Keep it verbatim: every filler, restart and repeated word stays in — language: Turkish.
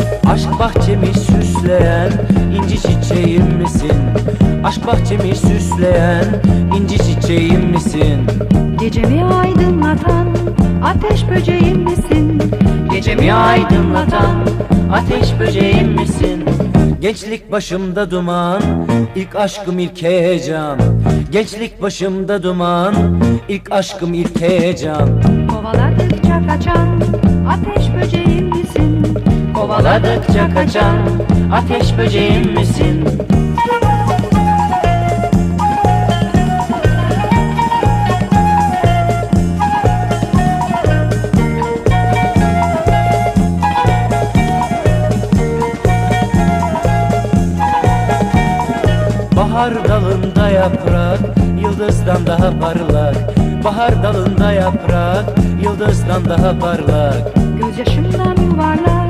Aşk bahçemi süsleyen inci çiçeğim misin? Aşk bahçemi süsleyen inci çiçeğim misin? Gecemi aydınlatan ateş böceğim misin? Gecemi aydınlatan ateş böceğim misin? Gençlik başımda duman, ilk aşkım ilk heyecan. Gençlik başımda duman, ilk aşkım ilk heyecan. Kovaladıkça kaçan ateş böceğim misin? Kovaladıkça kaçan ateş böceğim misin? Bahar dalında yaprak, yıldızdan daha parlak. Bahar dalında yaprak, yıldızdan daha parlak. Gözyaşımdan yuvarlak